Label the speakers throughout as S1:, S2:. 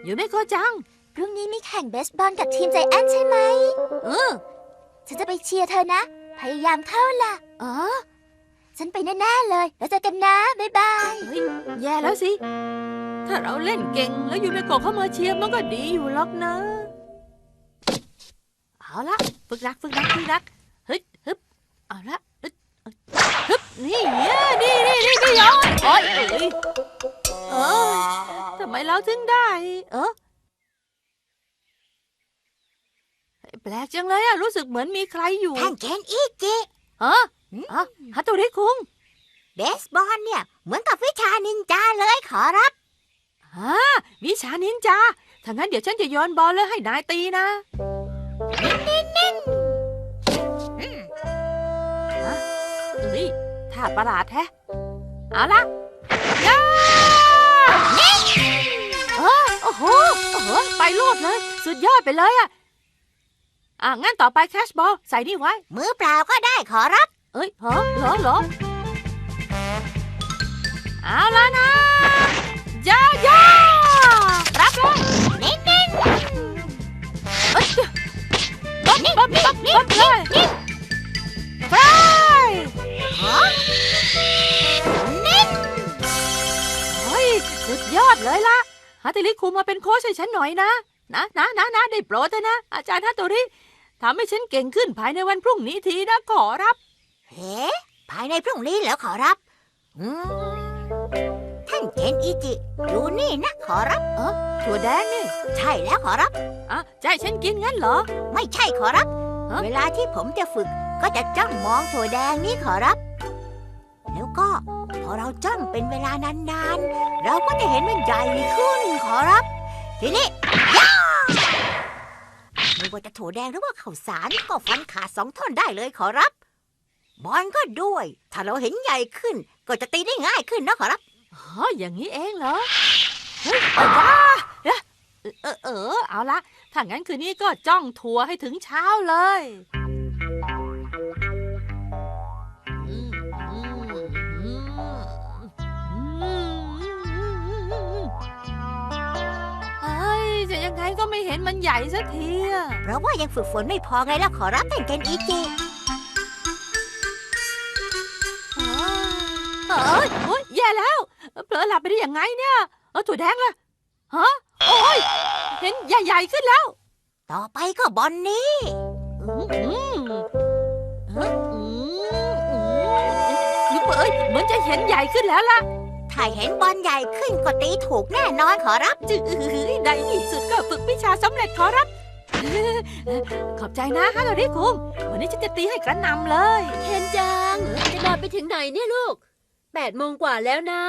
S1: อยู่ไม่โกจัง
S2: พรุ่งนี้มีแข่งเบสบอลกับทีมใจแอนใช่ไหมฉันจะไปเชียร์เธอนะพยายามเข้าล่ะฉันไปแน่ๆเลยแล้วเจอกันนะบ๊ายบาย
S1: เฮ้ยแย่แล้วสิถ้าเราเล่นเก่งแล้วยูเมโกะเข้ามาเชียร์มันก็ดีอยู่หรอกนะเอาละฝึกรักฮึบเอาละฮึบนี่ย้อนโอ๊ยทำไมเราถึงได้แปลกจังเลยอะรู้สึกเหมือนมีใครอยู่
S2: ท่านเคนอิจิ
S1: ฮัตโตริคุง
S2: เบสบอลเนี่ยเหมือนกับวิชานินจาเลยขอรับ
S1: วิชานินจาถ้างั้นเดี๋ยวฉันจะโยนบอลแล้วให้นายตีนะนี่ท่าประหลาดแท้เอาละย่าโอ้โหไปโลดเลยสุดยอดไปเลยอ่ะงั้นต่อไปแคชบอลใส่นี่ไว้
S2: มือเปล่าก็ได้ขอรับ
S1: เหรอเอาละนะย่ารับเลย
S2: เน้น
S1: บ๊อบเลยไปเฮ้ยสุดยอดเลยล่ะฮัตโตริคุงมาเป็นโค้ชให้ฉันหน่อยนะได้โปรดเถอะนะอาจารย์ฮัตโตริทำให้ฉันเก่งขึ้นภายในวันพรุ่งนี้ทีนะขอรับ
S2: ภายในพรุ่งนี้เหรอขอรับท่านเคนอิจิดูนี่นะขอรับ
S1: ถั่วแดงนี่
S2: ใช่แล้วขอรับ
S1: จะให้ฉันกินงั้นเหรอ
S2: ไม่ใช่ขอรับเวลาที่ผมจะฝึกก็จะจ้องมองถั่วแดงนี่ขอรับแล้วก็พอเราจ้องเป็นเวลานานๆเราก็จะเห็นมันใหญ่ขึ้นขอรับทีนี้ไม่ว่าจะถั่วแดงหรือว่าข้าวสารก็ฟันขาด2 ท่อนได้เลยขอรับบอลก็ด้วยถ้าเราเห็นใหญ่ขึ้นก็จะตีได้ง่ายขึ้นนะขอรับ
S1: อย่างนี้เองเหรอเฮ้ยเอาละถ้างั้นคืนนี้ก็จ้องถั่วให้ถึงเช้าเลยจะยังไงก็ไม่เห็นมันใหญ่สักที
S2: เพราะว่ายังฝึกฝนไม่พอไงล่ะขอรับท่านเคนอิจิ
S1: แย่แล้วเผลอหลับไปได้ยังไงเนี่ยถั่วแดงล่ะโอ้ยเห็นใหญ่ขึ้นแล้ว
S2: ต่อไปก็บอลนี้
S1: เหมือนจะเห็นใหญ่ขึ้นแล้วล่ะ
S2: ถ้าเห็นบอลใหญ่ขึ้นก็ตีถูกแน่นอนขอรับ
S1: ในที่สุดก็ฝึกวิชาสำเร็จขอรับขอบใจนะฮัตโตริคุงวันนี้ฉันจะตีให้กระหน่ำเลย
S3: เคนจังจะนอนไปถึงไหนเนี่ยลูก8 โมงกว่าแล้วนะ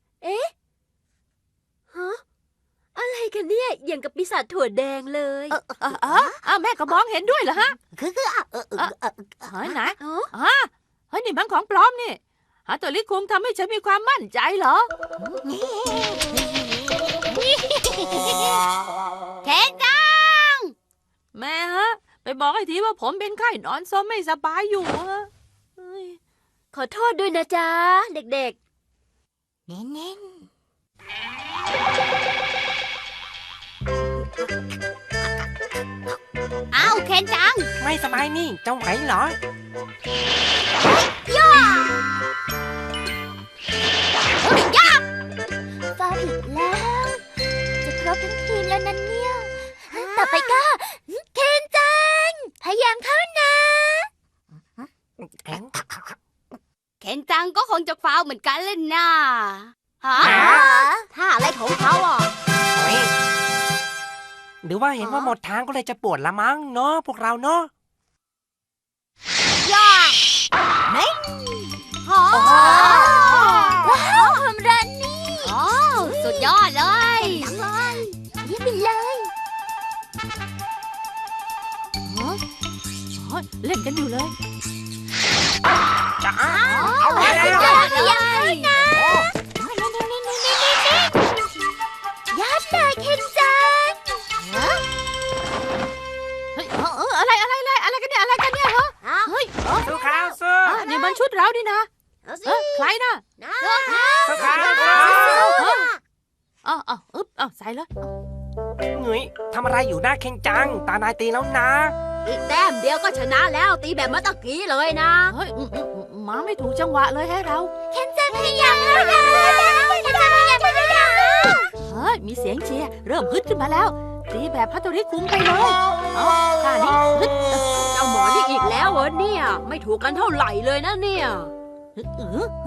S3: อะไรกันเนี่ยอย่างกับปีศาจถั่วแดงเลย
S1: แม่ก็มองเห็นด้วยเหรอฮะไหนนี่มันของปลอมนี่ฮัตโตริคุงทำให้ฉันมีความมั่นใจเหรอ
S2: เคนจัง
S1: แม่ฮะไปบอกให้ทีว่าผมเป็นไข้นอนซ้อมไม่สบายอยู่
S3: ขอโทษด้วยนะจ๊ะเด็ก
S2: ๆเน้นเอาเคนจัง
S4: ไม่สบายนี่จะไหวเหร
S2: อย่าฟาวอีกแล้วจะครบทั้งทีมแล้วนั่นเนี่ยต่อไปก็เคนจังพยายามเข้านะ
S3: เคนจังก็คงจะฟาวเหมือนกันเล่นน่ะ
S2: ถ้าอะไรของเขา
S4: หรือว่าเห็นว่าหมดทางก็เลยจะปวดละมั้งเนาะพวกเราเนาะ
S2: ย่าเฮ้ยว้าวทำรันนี่
S3: สุดยอดเลย
S2: เยี่ยมไปเลย
S1: เล่นกันอยู่เลย
S4: จ้าเอาเลย
S2: นะยัดเลยเคนจัง
S1: อะไรกันเนี่ยเฮ้ย
S4: สู้ข้าวสู้
S1: นี่มันชุดเราดินะใครนะ
S4: สู้ข้าวสู้
S1: ใส่เลย
S4: เงยทำอะไรอยู่หน้าเคนจัง ตานายตีแล้วนะ
S3: อีกแต้มเดียวก็ชนะแล้วตีแบบเมื่อตะกี้เลยนะ
S1: เฮ้ยมาไม่ถูกจังหวะเลยให้เรา
S2: เคนจังพยายามแล้วนะเคนจังพยายามแล้ว
S1: เฮ้ย มีเสียงเชียร์เริ่มฮึดขึ้นมาแล้ว ตีแบบฮัตโตริคุงไปเลยเอาท่านี้ฮึด
S3: เจ้าหมอนี่อีกแล้วเหรอเนี่ย ไม่ถูกกันเท่าไหร่เลยนะเนี่ย
S1: ฮึด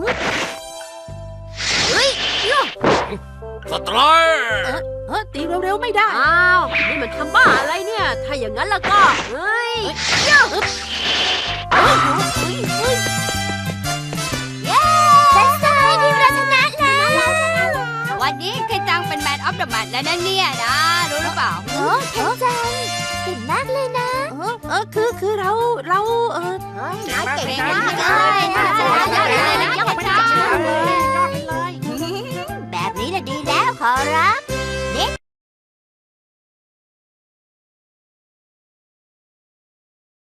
S5: สไตรค์
S1: ตีเร็วๆไม่ได้
S3: อ้าว นี่มันทำบ้าอะไรเนี่ย ถ้าอย่างนั้นแล้วก็ เฮ้ย
S2: เป็นไงทีมเราชนะแล้ววันนี้เคนจังเป็นแมนออฟเดอะแมตช์แล้วนะเนี่ยนะรู้หรือเปล่าเคนจังเก่งมากเลยนะ
S1: คือเรา
S2: นายเก่งมากเลยนะยอดไปเลย แบบนี้น่ะดีแล้วขอรับ